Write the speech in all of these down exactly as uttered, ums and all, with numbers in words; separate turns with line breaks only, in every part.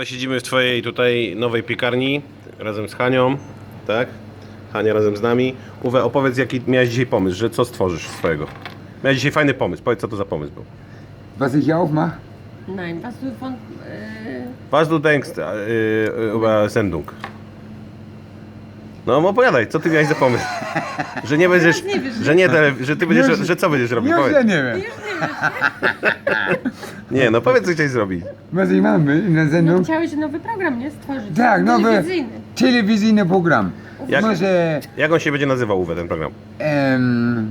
Uwe, siedzimy w twojej tutaj nowej piekarni razem z Hanią, tak? Hania razem z nami. Uwe, opowiedz, jaki miałeś dzisiaj pomysł, że co stworzysz swojego. Miałeś dzisiaj fajny pomysł, powiedz, co to za pomysł był.
Was ich aufmache?
Nein, was du von... Äh,
Was du denkst äh, über Sendung? No opowiadaj, co ty miałeś za pomysł? Że nie będziesz,
nie wiesz,
że nie, tele, że ty będziesz,
Już-
że co będziesz robił?
Już ja
Powiedz.
nie wiem.
Nie, no powiedz, co chciałeś zrobić.
Was ich machen will in der
no
Sendung?
chciałeś nowy program, nie? Stworzyć.
Tak, nowy
Telewizyjny.
telewizyjny program.
Jak-
Może
Jak on się będzie nazywał, Uwe, ten program?
em,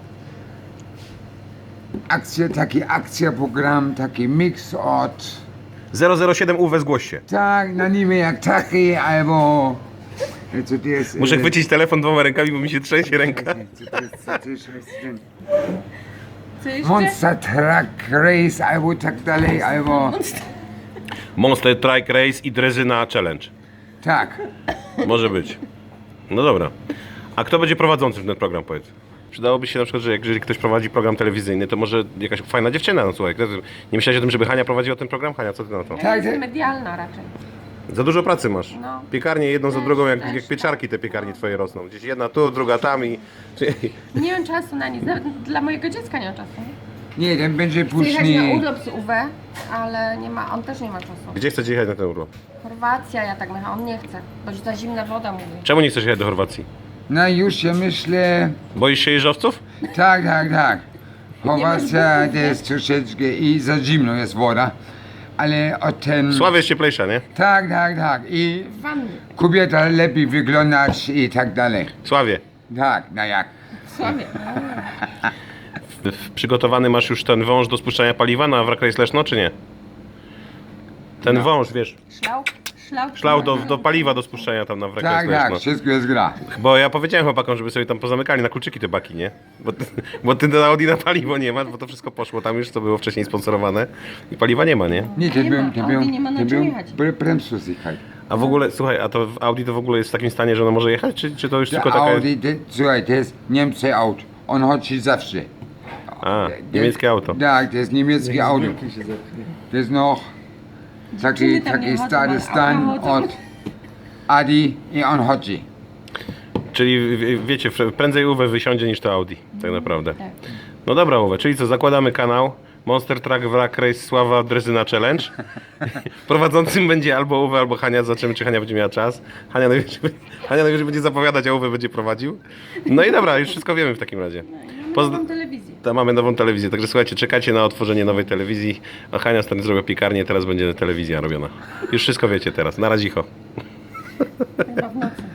akcja, taki akcjoprogram, taki mix od
zero zero siedem Uwe, zgłoś się.
tak, na niby jak taki, albo co to jest?
Muszę
e,
chwycić telefon dwoma rękami, bo mi się trzęsie ręka.
Co to jest, co to jest, co jest
Co jeszcze?
Monster Truck Race, albo tak dalej, albo
Monster Truck Race i Drezyna Challenge.
tak.
Może być. No dobra. A kto będzie prowadzącym ten program, powiedz? Przydałoby się na przykład, że jak- jeżeli ktoś prowadzi program telewizyjny, to może jakaś fajna dziewczyna, no słuchaj. Nie myślałeś o tym, żeby Hania prowadziła ten program? Hania, co ty na to?
Ja
Tak,
jestem
że-
medialna raczej.
Za dużo pracy masz.
No.
Piekarnie jedną za
Też,
drugą, jak,
też,
jak
tak.
pieczarki te piekarnie twoje rosną. Gdzieś jedna tu, druga tam i...
Nie mam czasu na nic. Nawet dla mojego dziecka nie mam czasu.
Nie, ten będzie
Chcę jechać na
później.
urlop z Uwe, ale nie ma, on też nie ma czasu.
Gdzie chcecie jechać na ten urlop?
Chorwacja, ja tak myślę, on nie chce. Bo za zimna woda mówi.
Czemu nie chcesz jechać do Chorwacji?
No już się myślę.
Boisz się jeżowców?
Tak, tak, tak. Chorwacja
butów,
to jest troszeczkę i za zimno jest woda. Ale o ten.
Sławie jest cieplejsza, nie?
Tak, tak, tak. I
W wannie.
kobieta lepiej wyglądać i tak dalej.
Sławie.
Tak, no jak.
W Sławie.
W- w- Przygotowany masz już ten wąż do spuszczania paliwa na Wrak Race Leszno, czy nie? Ten
No.
wąż, wiesz,
Szlauch? Szlauch?
szlał do, do paliwa do spuszczania tam na Wrak
Tak,
Race
tak,
Leszno.
wszystko jest gra.
Bo ja powiedziałem chłopakom, żeby sobie tam pozamykali na kluczyki te baki, nie? Bo ty, bo ty na Audi na paliwo nie masz, bo to wszystko poszło tam już, co było wcześniej sponsorowane i paliwa nie ma, nie?
Nie, to
Nie
był,
ma,
to
Audi
był,
nie ma na
to
czym
był
jechać.
bre- bremsflüssigkeit.
A w ogóle, słuchaj, a to w Audi to w ogóle jest w takim stanie, że ono może jechać, czy, czy to już
To
tylko taka...
Audi, to, słuchaj, to jest Niemcy auto. On chodzi zawsze.
A, niemieckie auto.
Tak, to jest niemieckie auto. To jest noch taki,
Dziewczyny tam
taki
nie chodzą,
stary
ale
stan
auto chodzą.
od Adi i on chodzi.
Czyli w- wiecie, fr- prędzej Uwe wysiądzie niż to Audi, tak naprawdę.
Tak.
No dobra Uwe, czyli co, zakładamy kanał Monster Truck Wrak Race Sława Drezyna Challenge. Prowadzącym będzie albo Uwe, albo Hania, zobaczymy, czy Hania będzie miała czas. Hania najwyżej, Hania najwyżej będzie zapowiadać, a Uwe będzie prowadził. No i dobra, już wszystko wiemy w takim razie. Pozd-
Nową telewizję.
to mamy nową telewizję, także słuchajcie, czekajcie na otworzenie nowej telewizji. A Hania stary zrobiła piekarnię, teraz będzie telewizja robiona. Już wszystko wiecie teraz, na razicho.
Chyba w nocy.